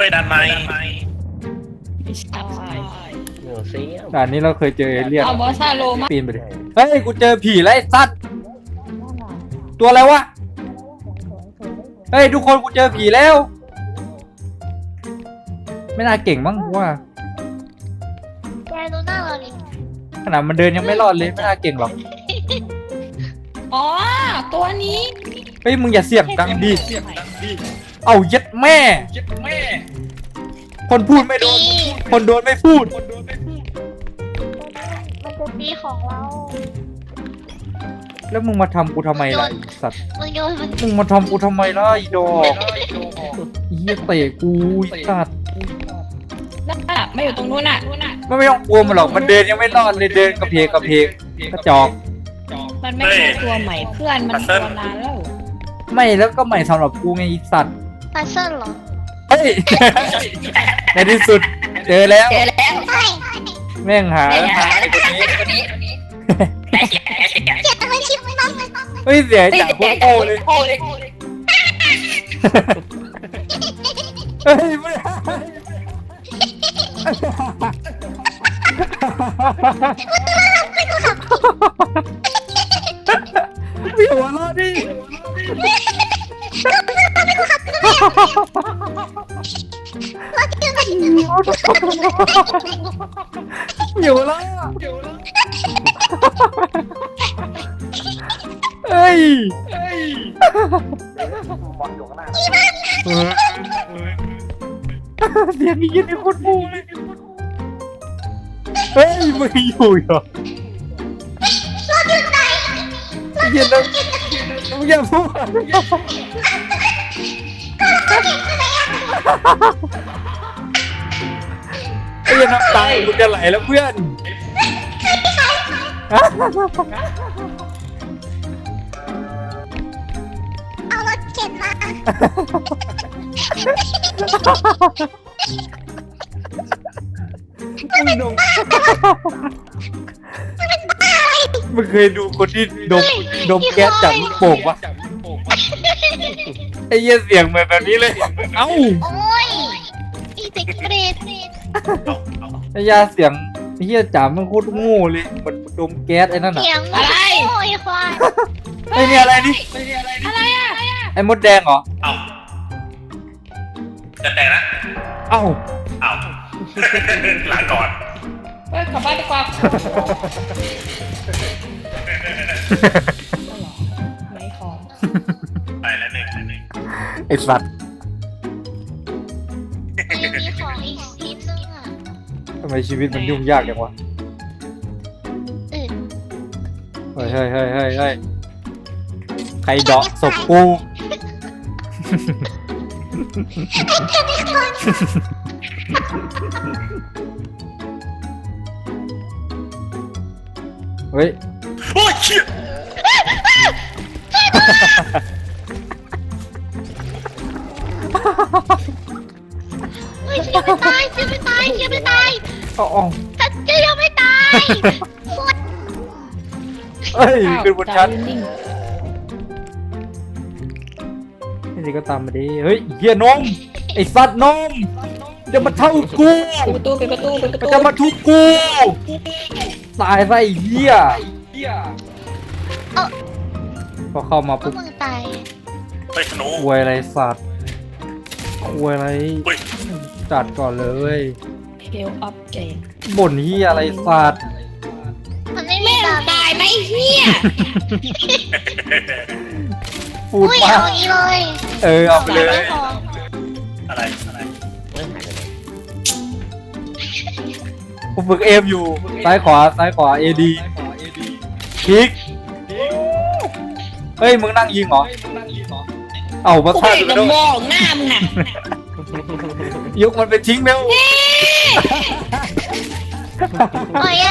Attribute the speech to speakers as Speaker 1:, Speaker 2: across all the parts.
Speaker 1: ไปดันไหม
Speaker 2: ไม่ใช่
Speaker 3: เหนือเสีย
Speaker 4: ด่านนี้เราเคยเจอเอเลี่ยน
Speaker 2: เอาบอสซาโลมา
Speaker 4: ปีนไปดิเฮ้ยกูเจอผีแล้วไอ้สัตว์ตัวอะไรวะเฮ้ยทุกคนกูเจอผีแล้ว ไม่น่าเก่งมั้งว่า
Speaker 5: แกดูหน้าเราดิ
Speaker 4: ขนาดมันเดินยังไม่รอดเลยไม่น่าเก่งหรอก
Speaker 2: อ๋อตัวนี้
Speaker 4: เฮ้ยมึงอย่าเสียงดังดิเอาเย็ดแม่ คนพูดไม่โดนคนโดนไม่พูด
Speaker 5: มันจะตีของเรา
Speaker 4: แล้วมึงมาทำกูทำไมล่ะไอ้สัตว์
Speaker 5: มึงโยนมัน
Speaker 4: มึงมาทำกูทำไมล่ะไอ้ดอกเฮียเตะกูไอ้สัตว์
Speaker 2: นั่นน่ะไม่อยู่ตรงนู้นน่ะ
Speaker 4: ไม่ต้องกลัวมันหรอกมันเดินยังไม่รอดเลยเดินกระเพกกระเพกกระจอก
Speaker 2: มันไม่ใช่ตัวใหม่เพื่อนมันตัวนานแล้ว
Speaker 4: ไม่แล้วก็ใหม่สำหรับกูไงไอ้สัตว์
Speaker 5: พัซเซิลเหรอ
Speaker 4: เฮ้ย ในที่สุดเจอแล้ว
Speaker 5: ใช่
Speaker 4: แม่งหาไอ้คนนี้
Speaker 5: เจ็บอะไรชิบมัน
Speaker 4: เฮ้ยเสียจากพวกโอ้เลยเฮ้ยไม่พี่หัวเราะดิอยู่แล้วเฮ้ยเสียงนี้ยินในคนมูเลยเฮ้ยมึงอยู่เหรอเย็นแล้วมึงอย่าพูดไอ้ยันน้ำตามึงจะไหลแล้วเพื่อน
Speaker 5: เอารถเข็นมา
Speaker 4: มึงเคยดูคนที่ดมแก๊สจากลูกโป่งปะไอ้เหี้ยเสียงเหมือนแบบนี้เลย เอ้า
Speaker 5: โอ้ยอีเซ็กเบรด
Speaker 4: ไอ้ยาเสียงไอ้เหี้ยจ๋ามันโคตรโง่เลยเหมือนดมแก๊สไอ้นั่นอ่ะ
Speaker 5: เสียงโอ้ยควาย
Speaker 4: ไอ้นี่อะไรนี่
Speaker 2: อะไรอ่ะ
Speaker 4: ไอ้มดแดงเหรอ
Speaker 1: เอ้าจะแต่งนะ
Speaker 4: เอ้า
Speaker 1: เอ้า ลาก่อน
Speaker 2: เฮ้ยกลับบ้านดีกว่าไม่ของ
Speaker 1: ไปแล้วหนึ่ง
Speaker 4: ไอ้สัตว์
Speaker 5: ยังมีของอีกนิดนึงอ่ะ
Speaker 4: ทำไมชีวิตมันยุ่งยากจังวะ เฮ้ยใครเดาะศพกูเฮ้ย
Speaker 1: โอ้ยเชี่ย
Speaker 5: เฮ้ยยังไม่ตายยังไม่ตายยังไม่ตาย
Speaker 4: อ๋อ
Speaker 5: ฉันจะยังไม่ตาย
Speaker 4: เฮ้ยขึ้นบนชั้น
Speaker 2: นิ่ง
Speaker 4: นี่ก็ตามมาดิเฮ้ยเฮียนมไอ้สัตว์นมจะมาเท่ากู
Speaker 2: ปิดประตูปิดประตูปิดประตู
Speaker 4: จะมาทุบกูตายซะไอ้เหี้ยพอเข้ามา
Speaker 5: พว
Speaker 4: ปุ๊
Speaker 5: ก
Speaker 4: บ
Speaker 5: มึงตาย
Speaker 1: ไปสโนว์
Speaker 4: ควยอะไรสัตว์ควยอะไร
Speaker 1: เฮ้ย
Speaker 4: จัดก่อนเลย
Speaker 2: เฮลอัพเจน
Speaker 4: บ่นเหี้ยอะไรสัตว์
Speaker 5: มันไม่มีตา
Speaker 2: ตายไหมเฮีย
Speaker 4: พูด
Speaker 5: อุ้ย
Speaker 4: มา
Speaker 5: เอางี้เลย
Speaker 4: เอาไปเลย
Speaker 5: ไม่พอ
Speaker 1: อะไร
Speaker 3: เมื่อหายไปไหน
Speaker 4: กูฝึกเอมอยู่ซ้ายขวาเอดีคลิกเฮ้ยมึงนั่งยิงเหรอเอามา
Speaker 2: กู
Speaker 4: ฆ่า
Speaker 2: เห็น
Speaker 4: กู
Speaker 2: กับ
Speaker 4: ด้วย
Speaker 2: มองหน้ามึงอ่ะ
Speaker 4: ยกมันไปทิ้งเร็ว
Speaker 5: โอ้ย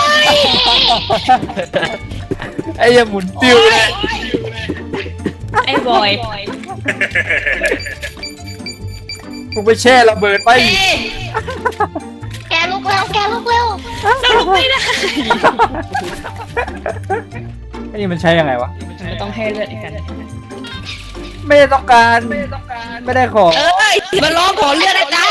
Speaker 4: ไอ้ยาหมุนติ้วเลย
Speaker 2: ไอ้บอย
Speaker 4: มึงไปแช่ระเบิดไป
Speaker 5: แกลุกเร็วแกลุกเร็ว
Speaker 2: เราลุกไม่ได้
Speaker 4: ไอ้นี่มันใช้ยังไงวะ
Speaker 2: ไม่ต้องให้เลือดอีกกัน
Speaker 4: ไม่ได้ต้องการไม่ได้ขอ
Speaker 2: เอ้ยมาร้องขอเลือดอาจารย์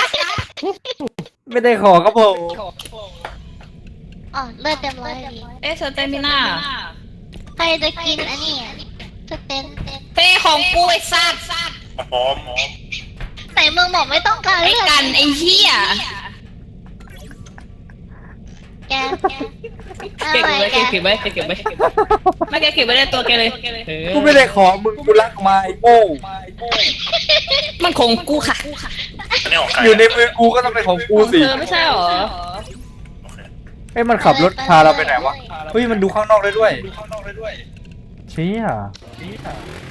Speaker 4: ไม่ได้ขอครับผม
Speaker 5: อ๋อเลือดเต็มร้อยดี
Speaker 2: เอ๊ะสเตมิน่า
Speaker 5: ใครจะกินอันนี้สเต็ม
Speaker 2: เป้ของกูไอ้สัตว์
Speaker 1: พร้อม
Speaker 5: แต่มึงบอกไม่ต้องการ
Speaker 2: ไอ้
Speaker 5: เลือด
Speaker 2: กันไอ้เหี้ย
Speaker 5: แก
Speaker 2: เก็บไว้เก็บไว้เก็บไว้ไม่แกเก็บไว้ในตัวแกเลยเออ
Speaker 4: กูไม่ได้ขอมึงกูรักมาไอ้โง่
Speaker 2: มันของกูค่ะ
Speaker 1: อันนี้ของใคร
Speaker 4: อยู่ในมือกูก็ต้องเป็นของกู
Speaker 2: ของ
Speaker 4: สิ
Speaker 2: เธอไม่ใช่หรอ
Speaker 1: โอเค
Speaker 4: เฮ้ยมันขับรถพาเราไปไหนวะเฮ้ยมันดูข้างนอกได้ด้วยเชี่ย